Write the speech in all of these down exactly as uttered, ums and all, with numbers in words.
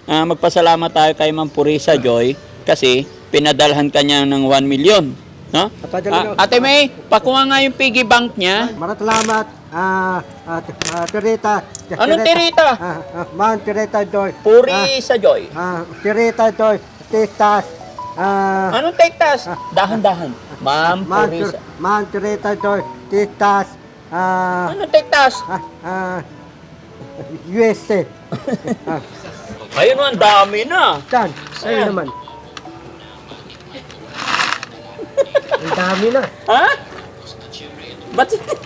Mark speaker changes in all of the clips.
Speaker 1: ah, magpasalamat tayo kay Ma'am Purisa Joy kasi pinadalhan kanya ng one million. No? Ah, Ate May, pakuha nga yung piggy bank niya.
Speaker 2: Maraming salamat. Ah, ah, ah, Tirita.
Speaker 1: Anong Tirita?
Speaker 2: Ah, ah, Ma'am Tirita Joy.
Speaker 1: Purisa Joy.
Speaker 2: Ah, Tirita Joy. Tistas. Ah,
Speaker 1: Anong tektas? Dahan-dahan. Ma'am
Speaker 2: Ma'am
Speaker 1: Purisa.
Speaker 2: Tir- Ma'am Tirita Joy. Tistas. Ah,
Speaker 1: Anong tektas?
Speaker 2: ah, ah, U S A. Ah,
Speaker 1: Ayun, ang dami na.
Speaker 2: saan?
Speaker 1: Ayan.
Speaker 2: Ayun naman. Ang dami na.
Speaker 1: Ha? Ba't?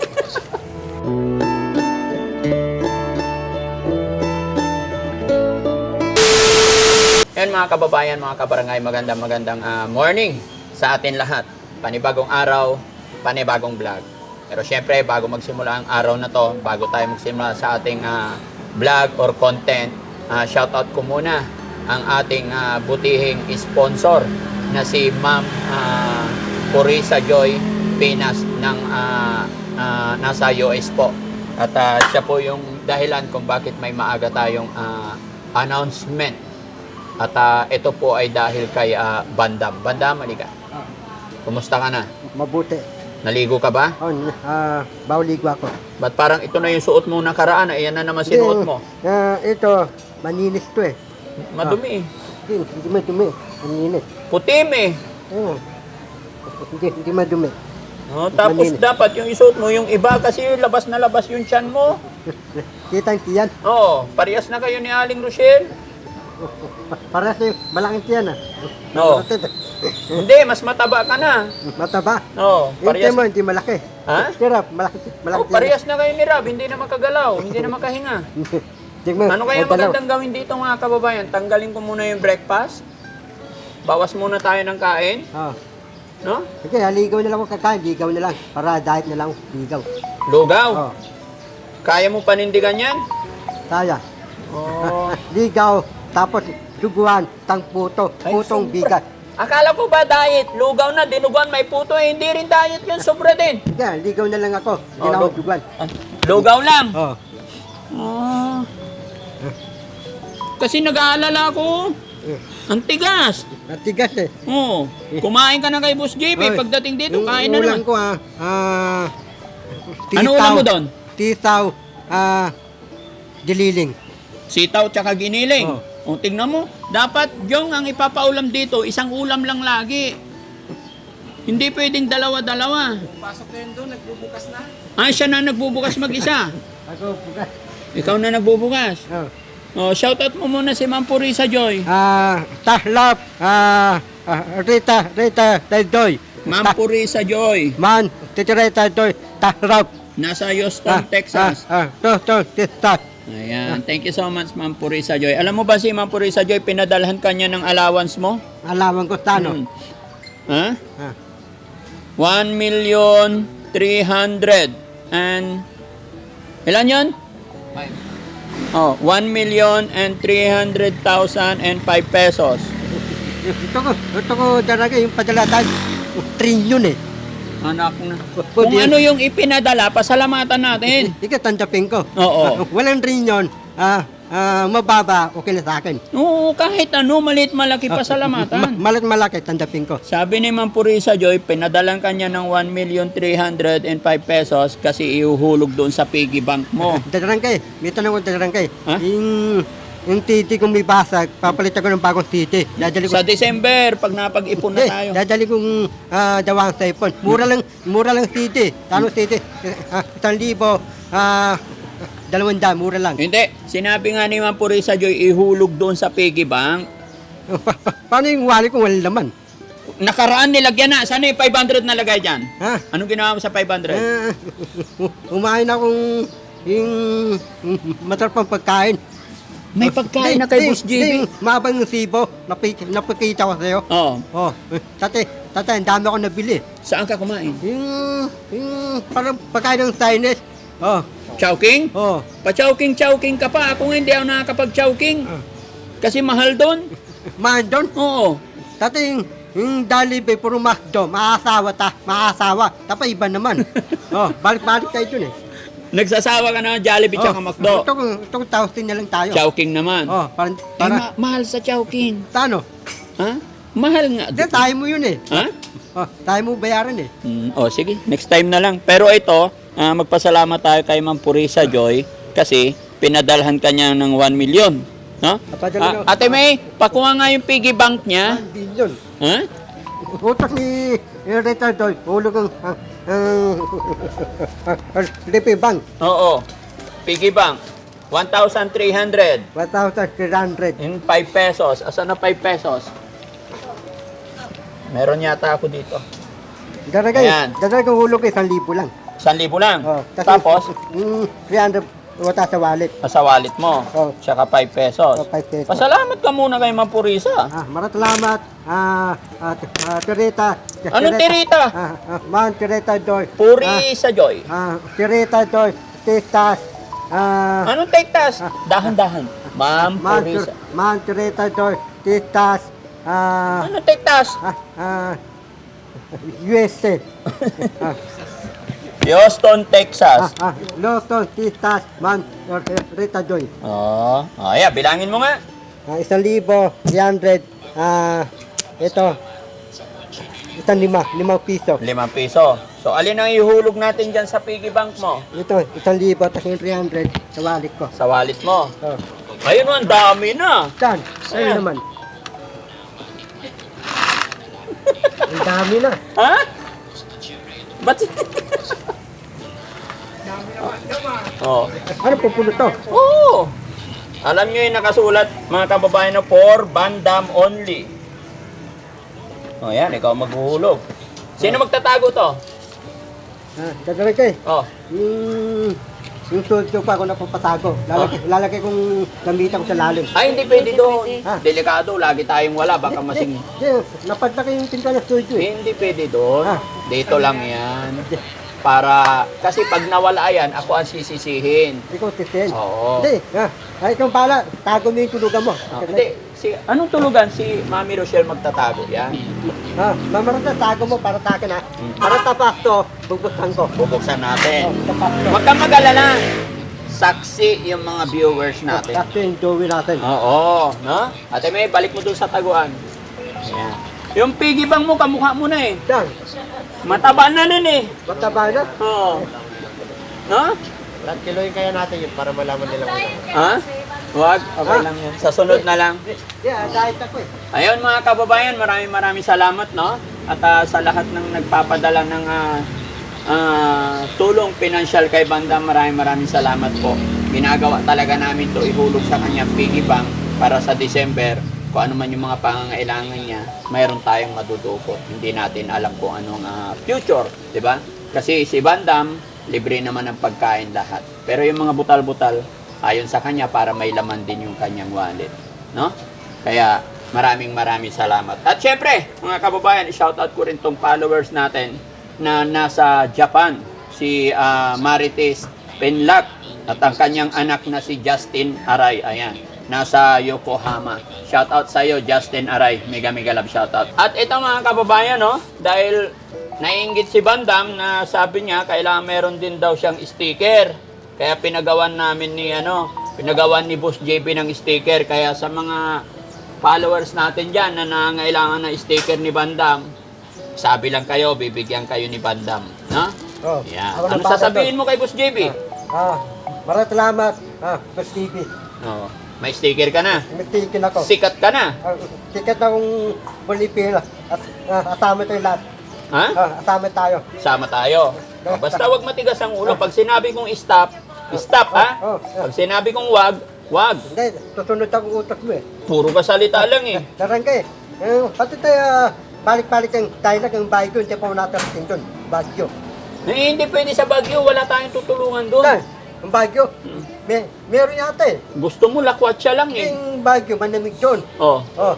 Speaker 1: Yan mga kababayan, mga kabarangay, magandang magandang ah, morning sa atin lahat. Panibagong araw, panibagong vlog. Pero syempre, bago magsimula ang araw na to, bago tayo magsimula sa ating ah, vlog or content, ah, shoutout ko muna ang ating ah, butihing sponsor na si Ma'am ah, Purisa Joy Pinas ng ah, ah, nasa U S po. At ah, siya po yung dahilan kung bakit may maaga tayong ah, announcement. At ah, ito po ay dahil kay ah, Bandam. Bandam, halika. Kumusta ka na?
Speaker 2: Mabuti.
Speaker 1: Naligo ka ba?
Speaker 2: Oh, ah, bawligo ako.
Speaker 1: Ba't parang ito na yung suot mo nakaraan? Ayan na naman sinuot mo.
Speaker 2: Ah, ito, maninis to eh.
Speaker 1: Madumi eh.
Speaker 2: Hindi, hindi madumi. Maninis.
Speaker 1: Putim eh.
Speaker 2: Oo. Hindi, hindi madumi.
Speaker 1: Oh, tapos
Speaker 2: Malinis.
Speaker 1: dapat yung isuot mo, yung iba kasi labas na labas yung tiyan mo.
Speaker 2: Kitang tiyan.
Speaker 1: Oo, parehas na kayo ni Aling Rochelle.
Speaker 2: Para sa malaking tiyan ah.
Speaker 1: No. Hindi, mas mataba ka na.
Speaker 2: Mataba.
Speaker 1: Oo,
Speaker 2: Yung
Speaker 1: parehas.
Speaker 2: tiyan mo, hindi malaki.
Speaker 1: Ha?
Speaker 2: Sirap, malaki, malaki
Speaker 1: Oh, parehas na kayo ni Rob, hindi na makagalaw, hindi na makahinga.
Speaker 2: Tingnan mo,
Speaker 1: Ano kaya
Speaker 2: may dalaw.
Speaker 1: magandang gawin dito mga kababayan? Tanggalin ko muna yung breakfast. Bawas muna tayo ng kain.
Speaker 2: Oh.
Speaker 1: No?
Speaker 2: Sige, haligaw na lang ako kakain. Ligaw na lang. Para diet na lang. Ligaw.
Speaker 1: Lugaw.
Speaker 2: Oh.
Speaker 1: Kaya mo panindigan yan?
Speaker 2: Kaya.
Speaker 1: Oh.
Speaker 2: Ligaw. Tapos, duguan. Tang puto.
Speaker 1: Ay,
Speaker 2: Putong
Speaker 1: sobra.
Speaker 2: bigat.
Speaker 1: Akala ko ba diet? Lugaw na, dinuguan, may puto. Eh, hindi rin diet yun. Sobra din.
Speaker 2: Sige, ligaw na lang ako. Hindi
Speaker 1: Oh,
Speaker 2: na ako
Speaker 1: lug-
Speaker 2: duguan.
Speaker 1: Ah, lugaw lang.
Speaker 2: Oh.
Speaker 1: Oh. Kasi nag-aalala ko. Ang tigas.
Speaker 2: Natigas eh.
Speaker 1: Oo. Kumain ka na kay Boss J P.
Speaker 2: Oy,
Speaker 1: Pagdating dito,
Speaker 2: yung
Speaker 1: kain na
Speaker 2: ulam
Speaker 1: naman.
Speaker 2: ko ah. Ah.
Speaker 1: Ano ulam mo doon?
Speaker 2: Tisaw. Ah. Dililing.
Speaker 1: Sitaw tsaka giniling.
Speaker 2: Oh.
Speaker 1: O, tingnan mo. Dapat, yung ang ipapaulam dito, isang ulam lang lagi. Hindi pwedeng dalawa-dalawa.
Speaker 3: Pasok na yun doon, nagbubukas na.
Speaker 1: Ah, siya na nagbubukas mag-isa.
Speaker 2: Ako, bukas.
Speaker 1: Ikaw na nagbubukas.
Speaker 2: Oh.
Speaker 1: O, shoutout mo muna si Ma'am Purisa Joy.
Speaker 2: Ah, tahlap. Ah, ah, Rita, Rita, Taydoy.
Speaker 1: Ma'am Purisa Joy.
Speaker 2: Man, Titireta Doy, tahlap.
Speaker 1: Nasa Houston, Texas.
Speaker 2: Ah, ah, to, to, tistas.
Speaker 1: Ayan. Thank you so much, Ma'am Purisa Joy. Alam mo ba si Ma'am Purisa Joy, pinadalhan kanya ng allowance mo?
Speaker 2: Alaman ko tano.
Speaker 1: Hmm. Ha?
Speaker 2: Ah,
Speaker 1: one million three hundred and ilan yun?
Speaker 3: Five.
Speaker 1: Oh, one million and three hundred thousand and five pesos.
Speaker 2: ito ko, ito ko talaga yung padalatan. Trillion eh.
Speaker 1: Anak na.
Speaker 2: Pwede
Speaker 1: Kung
Speaker 2: yan.
Speaker 1: ano yung ipinadala, pasalamatan natin.
Speaker 2: Ika, tandapin ko.
Speaker 1: Oo.
Speaker 2: Ah, walang trillion. Ah, ah, mababa, okay na sa akin.
Speaker 1: Oo, kahit ano, maliit malaki
Speaker 2: Ma-
Speaker 1: pasalamatan.
Speaker 2: malat malaki, tandapin ko.
Speaker 1: Sabi ni Ma'am Purisa Joy, pinadalan kanya ng one million three hundred five pesos kasi ihuhulog doon sa piggy bank mo.
Speaker 2: Dadarangkay, may tanong ko dadarangkay.
Speaker 1: Ha?
Speaker 2: Yung, yung titi kong may basag, papalitan ko ng bagong titi. Dadali ko
Speaker 1: Sa December, pag napag-ipon na
Speaker 2: Hindi,
Speaker 1: tayo.
Speaker 2: dadali kong ah, dawang sa ipon. Mura lang, mura lang city. Tano city? Ah, isang libo, ah, dalawang daan, mura lang.
Speaker 1: Hindi, sinabi nga ni Ma'am Purisa Joy, ihulog doon sa piggy bank.
Speaker 2: Pa- pa- Paano yung wali kung walang laman?
Speaker 1: Nakaraan nilagyan na. Sana yung five hundred na lagay dyan?
Speaker 2: Ha?
Speaker 1: Anong ginawa mo sa five hundred?
Speaker 2: Ah, umain akong yung masarap pang pagkain.
Speaker 1: May pagkain na kay Boss J B.
Speaker 2: Mabang yung sibo, napik- napakita ko sa'yo.
Speaker 1: Oo.
Speaker 2: Oh, tate, tate, ang dami ako nabili.
Speaker 1: Saan ka kumain?
Speaker 2: Yung, yung parang pagkain ng Chinese. Oh,
Speaker 1: Chowking?
Speaker 2: oh.
Speaker 1: Pa-chowking-chowking ka pa. Ako nga hindi ako nakakapag-chowking.
Speaker 2: Ah.
Speaker 1: Kasi mahal doon.
Speaker 2: Man doon,
Speaker 1: Oo.
Speaker 2: Tati yung, yung Jollibee, puro McDo, maasawa ta, maasawa. Tapos iba naman. oh, balik-balik tayo dun eh.
Speaker 1: Nagsasawa ka na ng Jollibee tsaka McDo.
Speaker 2: Ito kung, ito kung thousand na lang tayo.
Speaker 1: Chowking naman.
Speaker 2: Oh, parang,
Speaker 1: Eh,
Speaker 2: para,
Speaker 1: ma- mahal sa Chowking.
Speaker 2: Tano?
Speaker 1: Ha? Mahal nga.
Speaker 2: Hindi, tayo mo yun eh.
Speaker 1: Ha?
Speaker 2: Oh, tayo mo bayaran eh.
Speaker 1: Mm, oh, sige. Next time na lang. Pero ito, ah, magpasalamat tayo kay Ma'am Purisa Joy kasi pinadalhan ka niya ng one million. No?
Speaker 2: Napadala
Speaker 1: Ah, Ate May, pakuha nga yung piggy bank niya.
Speaker 2: one billion.
Speaker 1: Ha?
Speaker 2: Utak ni Rita Doy, hulog ang ang ang ang lipi bank,
Speaker 1: Oo. Piggy bank. one thousand three hundred.
Speaker 2: one thousand three hundred.
Speaker 1: In five pesos. Asan na five pesos? Meron yata ako dito.
Speaker 2: Daragay,
Speaker 1: Ayan.
Speaker 2: daragay kung hulog ay isang libo lang.
Speaker 1: one libo lang.
Speaker 2: Oh,
Speaker 1: Tapos,
Speaker 2: mm, three hundred wata sa wallet.
Speaker 1: sa wallet mo.
Speaker 2: Oh.
Speaker 1: Tsaka five pesos.
Speaker 2: Oh, five pesos.
Speaker 1: Pasalamat ka muna kay Ma'am Purisa.
Speaker 2: Ah, maraming salamat. Ah, ah, ah, Tirita.
Speaker 1: Anong Tirita?
Speaker 2: Ah, ah, Man Tirita Doy.
Speaker 1: Purisa Joy.
Speaker 2: Ah, Tirita Doy. Tistas. Ah,
Speaker 1: Anong tektas? Dahan-dahan. Ma'am
Speaker 2: Man,
Speaker 1: Purisa.
Speaker 2: Man Tirita Doy. Tistas. Ah,
Speaker 1: Anong tektas?
Speaker 2: ah, ah, U S A. ah,
Speaker 1: Houston, Texas.
Speaker 2: ah, ah, Lawson, Tistas, Man, Rita Joy.
Speaker 1: Oh, oh yeah, bilangin mo nga.
Speaker 2: Ah, isang libo, three hundred, ah, ito, isang lima, limang piso.
Speaker 1: Limang piso. So, alin ang ihulog natin dyan sa piggy bank mo?
Speaker 2: Ito, isang libo, tapos yung three hundred sa wallet ko.
Speaker 1: Sa wallet mo.
Speaker 2: Oh.
Speaker 1: Ayun, ang dami na.
Speaker 2: Saan? Ayun
Speaker 1: Ayan.
Speaker 2: naman. Ang dami na.
Speaker 1: Ha? Ba't? oh.
Speaker 2: Ano pupulot to?
Speaker 1: Oo. Alam nyo yung nakasulat, mga kababayan, na for Bandam only. O yan, ikaw maghuhulog. Sino magtatago to?
Speaker 2: Ah, gagawin ko eh.
Speaker 1: Oh,
Speaker 2: Yung, yung studio pa ako napapatago. Lalagay, lalagay kong gamitan ko sa lalim.
Speaker 1: ay hindi pwede doon.
Speaker 2: Ah.
Speaker 1: Delikado, lagi tayong wala, baka masing...
Speaker 2: Hindi, napadlaki yung pinto ng studio eh.
Speaker 1: Hindi pwede doon.
Speaker 2: Ah.
Speaker 1: Dito lang yan. Para, kasi pag nawala yan, ako ang sisisihin.
Speaker 2: Ikaw titin.
Speaker 1: Oo.
Speaker 2: Hindi, ah, ay ikaw pala, tago mo yung tulugan mo.
Speaker 1: Ah, hindi, si, anong tulugan? Si Mami Rochelle magtatago yan.
Speaker 2: Ah, mamarata, tago mo para takin ha.
Speaker 1: Hmm.
Speaker 2: Para tapak to, bubuksan ko.
Speaker 1: Bubuksan
Speaker 2: Oh,
Speaker 1: natin.
Speaker 2: tapak to.
Speaker 1: Huwag kang mag-alala. Saksi yung mga viewers natin.
Speaker 2: Tapos yung dowi natin.
Speaker 1: Oo, no? Ate May, balik mo dun sa taguan. Ayan. Yung piggy bank mo, kamukha mo na eh.
Speaker 2: Yan,
Speaker 1: Mataba na nun eh.
Speaker 2: mataba na.
Speaker 1: Oo. No?
Speaker 2: Ilang kiloin kaya natin yun para malaman nila kung ano.
Speaker 1: Ha? Huwag, okay
Speaker 2: Ha?
Speaker 1: lang yan. Sa sunod na lang.
Speaker 2: Yeah, diet ako eh.
Speaker 1: Ayun mga kababayan, maraming maraming salamat, no? At ah, sa lahat ng nagpapadala ng ah, ah, tulong pinansyal kay Bandam, maraming maraming salamat po. Ginagawa talaga namin to ihulog sa kanyang piggy bank para sa December, kung ano man yung mga pangangailangan niya, mayroon tayong madudukot. Hindi natin alam kung anong ah, future, di ba? Kasi si Bandam, libre naman ang pagkain lahat. Pero yung mga butal-butal, ayon sa kanya para may laman din yung kanyang wallet, no? Kaya maraming maraming salamat. At syempre, mga kababayan, i-shoutout ko rin tong followers natin na nasa Japan, si ah, Marites Penlac at ang kanyang anak na si Justin Aray. Ayan, nasa Yokohama. Shoutout sa iyo, Justin Aray. Mega mega love shoutout. At ito mga kababayan, no, dahil naiinggit si Bandam na sabi niya kailangan meron din daw siyang sticker. Kaya pinagawan namin ni ano, pinagawan ni Boss J P ng sticker. Kaya sa mga followers natin diyan na nangangailangan ng sticker ni Bandam, sabi lang kayo, bibigyan kayo ni Bandam, no?
Speaker 2: Oh,
Speaker 1: Yeah.
Speaker 2: ako
Speaker 1: Ano
Speaker 2: nabasa
Speaker 1: sasabihin mo kay Boss J P?
Speaker 2: doon. Ah, maraming salamat. Ah, Boss T V.
Speaker 1: Oo. May sticker ka na.
Speaker 2: Nagtikin ako.
Speaker 1: Sikat ka na.
Speaker 2: Ah, ticket akong Bolivia. At ah, asama tayo lahat.
Speaker 1: Ha?
Speaker 2: Ah, asama tayo.
Speaker 1: Sama tayo. O, basta wag matigas ang ulo. Pag sinabi kong stop, stop ha?
Speaker 2: Oh, oh.
Speaker 1: Pag sinabi kong wag, wag.
Speaker 2: Hindi, susunod ang utak mo eh.
Speaker 1: Puro ka salita lang eh.
Speaker 2: Darang ka eh. Eh, pati tayo, ah, balik-balik ang tayo lang ang Baguio, hindi pa natin doon. Baguio.
Speaker 1: Eh, hindi pwede sa Baguio, wala tayong tutulungan doon.
Speaker 2: Saan? Ang Baguio? May, meron yata eh.
Speaker 1: Gusto mo lakwatsa lang eh.
Speaker 2: Yung Baguio, manamig doon.
Speaker 1: Oh.
Speaker 2: Oh.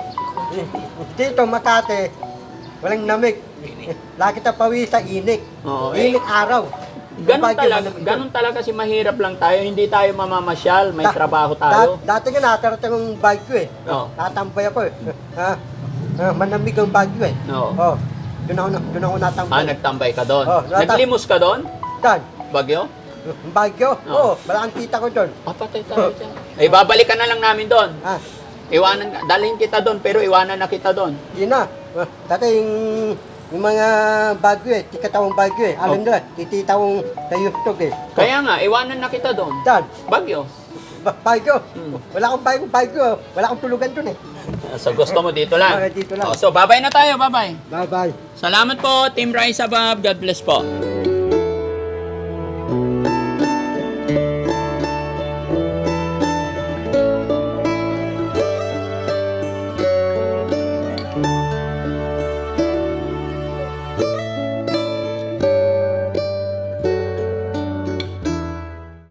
Speaker 2: Dito, Makati, walang namig. Lagi tayo pawi sa inik.
Speaker 1: Oo, eh.
Speaker 2: Inik araw. Yung
Speaker 1: Ganun
Speaker 2: Baguio,
Speaker 1: talaga,
Speaker 2: manamig doon.
Speaker 1: ganun talaga kasi mahirap lang tayo. Hindi tayo mamamasyal, may
Speaker 2: Da-
Speaker 1: trabaho
Speaker 2: Da-
Speaker 1: tayo.
Speaker 2: dati nga natarating ang Baguio eh.
Speaker 1: Oo.
Speaker 2: Natambay ako eh. Ha? Ah, manamig ang Baguio eh.
Speaker 1: Oo.
Speaker 2: Oh. Doon ako, na- doon ako natambay.
Speaker 1: Ah, nagtambay ka doon.
Speaker 2: Oh, nata-
Speaker 1: Naglimos ka doon?
Speaker 2: Dan,
Speaker 1: Bagyo?
Speaker 2: Bagyo.
Speaker 1: Oo.
Speaker 2: Oo, wala kang kita ko doon.
Speaker 1: Ah, patay tayo dyan. Eh, babalikan na lang namin doon.
Speaker 2: Ah,
Speaker 1: Iwanan, ka- dalhin kita doon, pero iwanan na kita doon.
Speaker 2: yun na. Ah, Dati yung, yung mga bagyo eh, tikatawang bagyo eh. Alam
Speaker 1: Oh.
Speaker 2: nila, tititawang sa Yustog eh.
Speaker 1: Kaya nga, iwanan na kita doon.
Speaker 2: Saan?
Speaker 1: Bagyo.
Speaker 2: Ba- Bagyo.
Speaker 1: Hmm.
Speaker 2: Wala akong bagyo, bagyo. Wala akong tulugan doon eh.
Speaker 1: So, gusto mo dito lang.
Speaker 2: Ah, dito lang.
Speaker 1: Oh, so, babay na tayo, babay.
Speaker 2: Bye-bye.
Speaker 1: Salamat po, Team Rise Above. God bless po.